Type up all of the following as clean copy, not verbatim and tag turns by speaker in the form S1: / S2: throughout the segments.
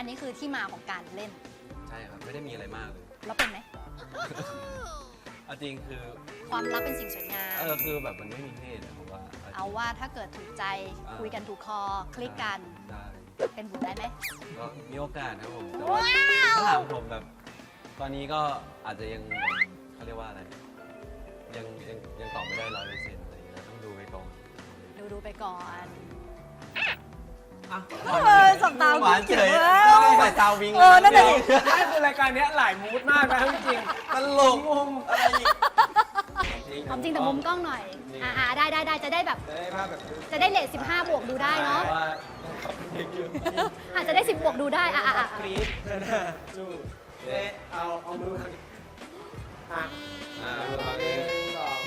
S1: นนี้คือที่มาของการเล่น
S2: ใช่ครับไม่ได้มีอะไรมากเลย
S1: แล้วเป็นไหม
S2: เอาจริงคือ
S1: ความรักเป็นสิ่งสวยงาม
S2: คือแบบมันไม่มีเพศอะผมว่า
S1: เอาว่าถ้าเกิดถูกใจคุยกันถูกคอคลิกกัน
S2: ได้
S1: เป็นบุญได้ไหม
S2: ก็มีโอกาสนะผมแต่ว่าถ้าถามผมแบบ ตอนนี้ก็อาจจะยังเขาเรียกว่าอะไรยังตอบไม่ได้100%อะไรอย่างเงี้ยต้องดูไปก่อน
S1: ดูไปก่อน
S2: อ่ะ
S1: สบตา
S2: หวานเฉย
S1: แล้ว
S2: ใส่ตาวิง
S1: นั่นแหละ
S3: ไม่คือรายการเนี้ยหลายมูดมากนะจริง
S2: ตลกอะไรอีก
S1: ความจริงแต่มุมกล้องหน่อย ได้จะได้แบบ
S3: ๆจะได้ภาพแบบ
S1: จะได้เลท15 บวกดูได้เนาะ
S2: ว่า
S1: อาจจะได้ 10 บวกดูได้
S3: กรี๊ดนะสู้เอ๊ะเอามือมาอ่ะ
S2: มา
S3: ห
S2: เล
S3: นึ่
S2: ย
S3: งสอง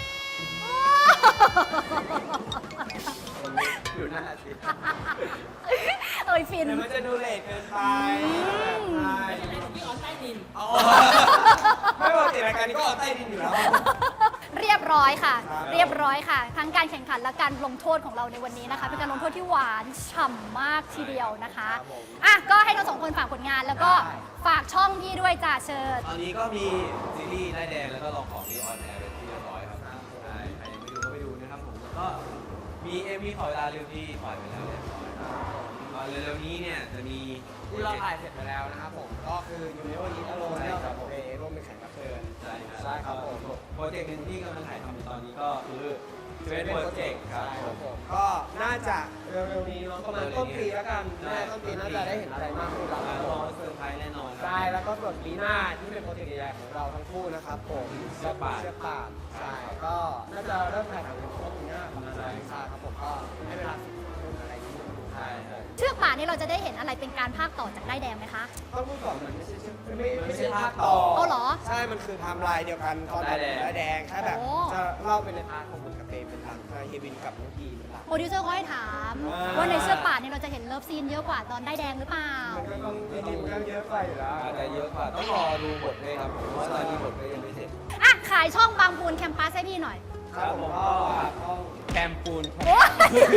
S3: อยู่หน้าสิ
S1: เอ้ยฟิน
S3: เดี๋ยวมันจะดูเลทเกินไปใช่พี่ออนใต้ดินไม่ปกติรายการนี้ก็ออนใต้ดินอยู่แล้ว
S1: เรียบร้อยค่ะ
S3: ครับ
S1: เรียบร้อยค่ะ ทั้งการแข่งขันและการลงโทษของเราในวันนี้นะคะ เป็นการลงโทษที่หวานฉ่ำมากทีเดียวนะคะอ่ะก็ให้ทั้งสองคนฝากผลงานแล้วก็ฝากช่องพี่ด้วยจ้าเชิญ
S2: ตอนนี้ก็มีซีรีส์ได้ายแดงแล้วก็ลองของที่ออนแอร์เป็นที่เรียบร้อยครับใช่ใครยังไม่ดูก็ไปดูนะครับผมแล้วก็มีขอเวลาเร็วที่ปล่อยไปแล้วเรียบร้อยครับเร็วๆนี้เนี่ยจะมี
S3: ที่เราถ่ายเสร็จไปแล้วนะครับผมก็คืออยู่ในวันนี้อารมณ์เนี่ยครับผมร่วมเป็นแขกรับเชิญ
S2: ใช่
S3: ใช่ครับผม
S2: โปรเจกต์หนึ่งที่กำลังถ่ายทำอยู่ตอนนี้ก็คือเป็นโปรเจกต์ครับ
S3: ใช่ครับผมก็น่าจะเร็วๆนี้เนาะประมาณต้นปีแล้วกันน่าจะต้นปีน่าจะได้เห็นอะไรมากขึ้นแล้ว
S2: รอเซอร์ไพรส์แน่นอนครับ
S3: ใช่แล้วก็ส่วนปีหน้าที่เป็นโปรเจกต์ใหญ่ๆของเราทั้งคู่นะครับผม
S2: เชือกป่าน
S3: เชือกป่านใช่ก็น่าจะเริ่มถ่ายทำในช่วงปีหน้าประมาณนั้นใช่ครับผมก็ให้เวลา10 ปีอะไรที่ดู
S2: ใช่
S3: ใช่
S2: ใช่
S1: เชือกป่านนี้เราจะได้เห็นอะไรเป็นการภาคต่อจากได้ายแดงไหมคะ
S3: ต้องพูดก่อนมันไม่ใช่ภาคต่อ
S1: เอาเหรอ
S3: ใช่ มันคือไทม์ไลน์เดียวกันตอนได้แดงแค่แบบ
S1: โอ้
S3: จะเล่าเป็นในพาร์ทของบุญกับเปย์เป็นหลักเฮวินกับน้องพีเป็นหลัก
S1: โปรดิวเซอร์เขาให้ถาม ว่าในเชือกป่านนี้เราจะเห็นเลิฟซีนเยอะกว่าตอนได้ายแดงหรือเปล่า
S3: มันก็ต้องจริงๆมันก็เยอะไปอยู่แล้ว
S2: อาจจะเยอะกว่าต้องรอดูบทด้วยครับผมเพราะว่าตอนนี้บทก็ยังไม่เสร็จ
S1: อ่ะ ขายช่องบางปูนแคมปัสให้พี่หน่อย
S3: ครับผมก็ต้อง
S2: แคมปูน
S1: โอ๊ย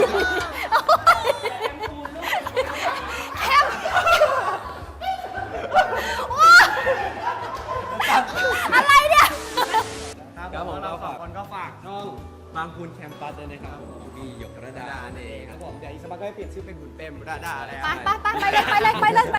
S1: แคมโอ๊ยอะไรเนี่ย
S3: ครับผมเราสองคนก็ฝากช่อง
S2: บางปูนแคมปัสด้วยนะครับผมมีหยกระดานั่นเอง
S3: ครับผมเดี๋ยวอีกสักพักก็ให้เปลี่ยนชื่อเป็นบุญเปรมบุญดาอะไร
S1: ไปเลย